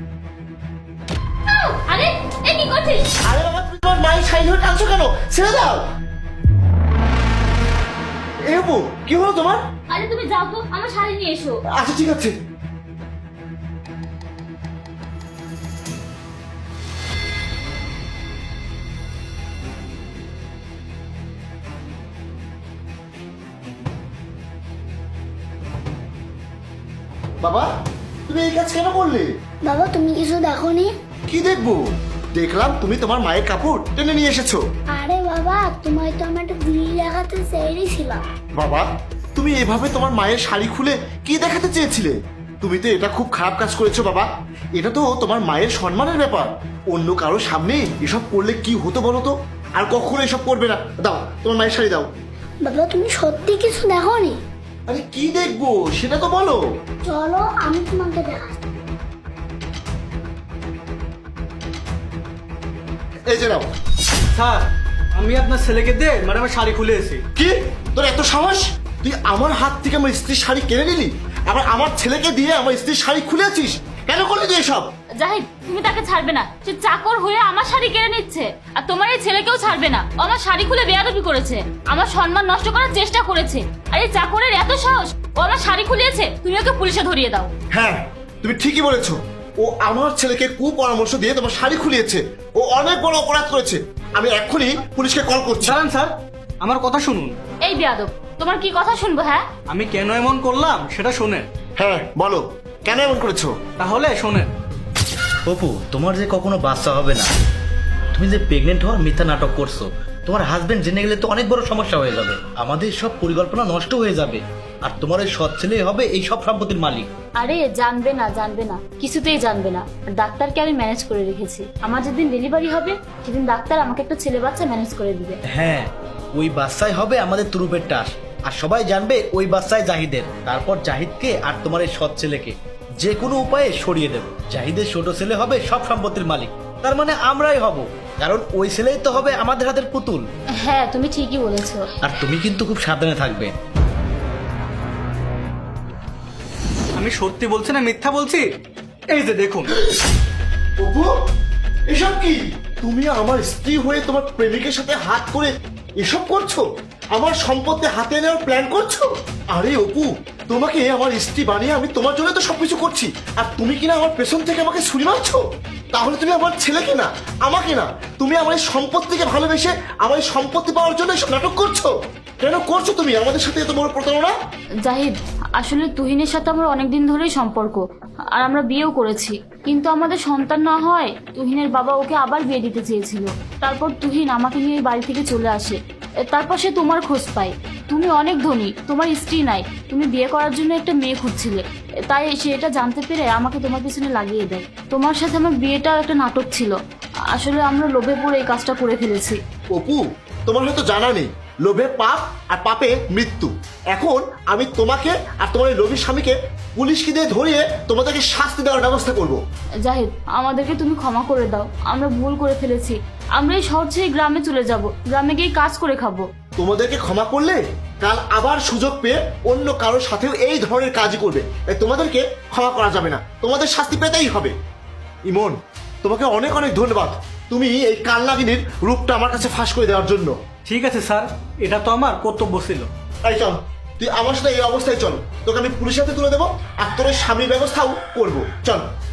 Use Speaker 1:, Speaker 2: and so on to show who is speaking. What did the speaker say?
Speaker 1: আরে এ কি করছিস?
Speaker 2: আরে বাবা, তুমি তোমার মায়ের শাড়ি ধরে টানছো কেন? ছেড়ে দাও। এ অপু, কি হলো তোমার?
Speaker 1: আরে তুমি যাও তো, আমার শাড়ি নিয়ে এসো।
Speaker 2: আচ্ছা ঠিক আছে। বাবা, তুমি এই কাজ কেন করলে?
Speaker 3: বাবা তুমি কিছু দেখোনি?
Speaker 2: কি দেখবো? দেখলাম তুমি তোমার মায়ের কাপড় টেনে নিয়ে এসেছো।
Speaker 3: আরে বাবা তোমায় তো আমি একটা বিড়ি দেখাতে চেয়েছিলাম।
Speaker 2: বাবা, তুমি এভাবে তোমার মায়ের শাড়ি খুলে কি দেখাতে চেয়েছিলে? তুমি তো এটা খুব খারাপ কাজ করেছো বাবা। এটা তো তোমার মায়ের সম্মানের ব্যাপার। অন্য কারো সামনে এসব করলে কি হতো বলো তো? আর কখনো এসব করবে না। দাও তোমার মায়ের শাড়ি দাও।
Speaker 3: বাবা তুমি সত্যি কিছু দেখোনি?
Speaker 2: আরে কি দেখবো সেটা তো বলো।
Speaker 3: চলো আমি তোমাকে দেখাচ্ছি।
Speaker 2: এই যে নাও।
Speaker 4: স্যার, আমি আপনার ছেলেকে দিয়ে ম্যাডামের শাড়ি খুলে এসেছি।
Speaker 2: কি তোর এত সাহস? তুই আমার হাত থেকে আমার স্ত্রীর শাড়ি কেড়ে নিলি, আবার আমার ছেলেকে দিয়ে আমার স্ত্রীর শাড়ি খুলে আছিস। কেন করলি তুই এসব?
Speaker 1: জাহিদ, তুমি তাকে ছাড়বে না। সে চাকর হয়ে আমার শাড়ি কেড়ে নিচ্ছে, আর তোমার এই ছেলেকেও ছাড়বে না। ও আমার শাড়ি খুলে বেয়াদবি করেছে, আমার সম্মান নষ্ট করার চেষ্টা করেছে। আর এই চাকরের এত সাহস, ও আমার শাড়ি খুলিয়েছে। তুমি ওকে পুলিশে ধরিয়ে দাও।
Speaker 2: হ্যাঁ, তুমি ঠিকই বলেছো। ও আমার ছেলেকে কুপরামর্শ দিয়ে তোমার শাড়ি খুলিয়েছে। ও অনেক বড় অপরাধ করেছে। আমি এক্ষুনি পুলিশকে কল করছি।
Speaker 4: দাঁড়ান স্যার, আমার কথা শুনুন।
Speaker 1: এই বেয়াদব, তোমার কি কথা শুনবো? হ্যাঁ,
Speaker 4: আমি কেন এমন করলাম সেটা শোনেন।
Speaker 2: হ্যাঁ বলো, কেন এমন করেছো?
Speaker 4: তাহলে শোনেন।
Speaker 5: অপু, তোমার যে কখনো বাচ্চা হবে না, তুমি যে প্রেগনেন্ট হওয়ার মিথ্যা নাটক করছো, তোমার হাজবেন্ড জেনে গেলে তো অনেক বড় সমস্যা হয়ে যাবে। আমাদের সব পরিকল্পনা নষ্ট হয়ে যাবে, আর তোমার ওই সৎ ছেলেই হবে এই সব সম্পত্তির মালিক।
Speaker 1: আরে জানবে না, জানবে না, কিছুতেই জানবে না। আর ডাক্তারকে আমি ম্যানেজ করে রেখেছি। আমার যেদিন ডেলিভারি হবে সেদিন ডাক্তার আমাকে একটা ছেলে বাচ্চা ম্যানেজ করে দিবে।
Speaker 5: হ্যাঁ, ওই বাচ্চাই হবে আমাদের তুরুপের টাস, আর সবাই জানবে ওই বাচ্চাই জাহিদের। তারপর জাহিদকে আর তোমার এই সৎ ছেলেকে যে কোনো উপায়ে সরিয়ে দেব। জাহিদের ছোট ছেলে হবে সব সম্পত্তির মালিক, তার মানে আমরাই হব, কারণ ওই ছেলেই তো হবে আমাদের হাতের পুতুল।
Speaker 1: হ্যাঁ, তুমি ঠিকই বলেছো।
Speaker 5: আর তুমি কিন্তু খুব সাবধানে থাকবে।
Speaker 4: আমি সত্যি বলছি না মিথ্যা বলছি? এই যে দেখুন।
Speaker 2: অপু, এসব কি? তুমি আমার স্ত্রী হয়ে তোমার প্রেমিকের সাথে হাত করে এসব করছো? আমার সম্পত্তি হাতে নেওয়ার প্ল্যান করছো? আরে অপু, তোমাকে আমার স্ত্রী বানিয়ে আমি তোমার জন্য তো সবকিছু করছি, আর তুমি কিনা আমার পেছন থেকে আমাকে ছুরি মারছো? তাহলে তুমি আমার ছেলেকে না, আমাকে না, তুমি আমার এই সম্পত্তিকে ভালোবেসে আমার এই সম্পত্তি পাওয়ার জন্য এসব নাটক করছো। কেন করছো তুমি আমাদের সাথে এত বড় প্রতারণা?
Speaker 1: জাহিদ, আসলে তুহিনের সাথে আমার অনেকদিন ধরেই সম্পর্ক, আর আমরা বিয়েও করেছি। কিন্তু আমাদের সন্তান না হয় তুহিনের বাবা ওকে আবার বিয়ে দিতে চেয়েছিল। তারপর তুহিন আমাকে নিয়ে এই বাড়ি থেকে চলে আসে। তারপর সে তোমার খোঁজ পায়। তুমি অনেক ধনী, তোমার স্ত্রী নাই, তুমি বিয়ে করার জন্য একটা মেয়ে খুঁজছিলে। তাই সে এটা জানতে পেরে আমাকে তোমার পিছনে লাগিয়ে দেয়। তোমার সাথে আমার বিয়েটা একটা নাটক ছিল। আসলে আমরা লোভে পড়ে এই কাজটা করে ফেলেছি।
Speaker 2: অপু, তোমার হয়তো জানা নেই, লোভে পাপ আর পাপে মৃত্যু। এখন আমি তোমাকে আর তোমার এই লোভী স্বামীকে পুলিশকে দিয়ে ধরিয়ে তোমাদেরকে শাস্তি দেওয়ার ব্যবস্থা করব।
Speaker 1: জাহিদ, আমাদেরকে তুমি ক্ষমা করে দাও। আমরা ভুল করে ফেলেছি। আমরা এই শহর ছেড়ে গ্রামে চলে যাব, গ্রামে গিয়ে কাজ করে খাবো।
Speaker 2: তোমাদেরকে ক্ষমা করলে কাল আবার সুযোগ পেয়ে অন্য কারোর সাথেও এই ধরনের কাজই করবে। তাই তোমাদেরকে ক্ষমা করা যাবে না, তোমাদের শাস্তি পেতেই হবে। ইমন, তোমাকে অনেক অনেক ধন্যবাদ, তুমি এই কালনাগিনীর রূপটা আমার কাছে ফাঁস করে দেওয়ার জন্য।
Speaker 4: ঠিক আছে স্যার, এটা তো আমার কর্তব্য ছিল।
Speaker 2: তাই চল, তুই আমার সাথে এই অবস্থায় চল, তোকে আমি পুলিশের হাতে তুলে দেবো, আর তোর ওই স্বামীর ব্যবস্থাও করবো। চল।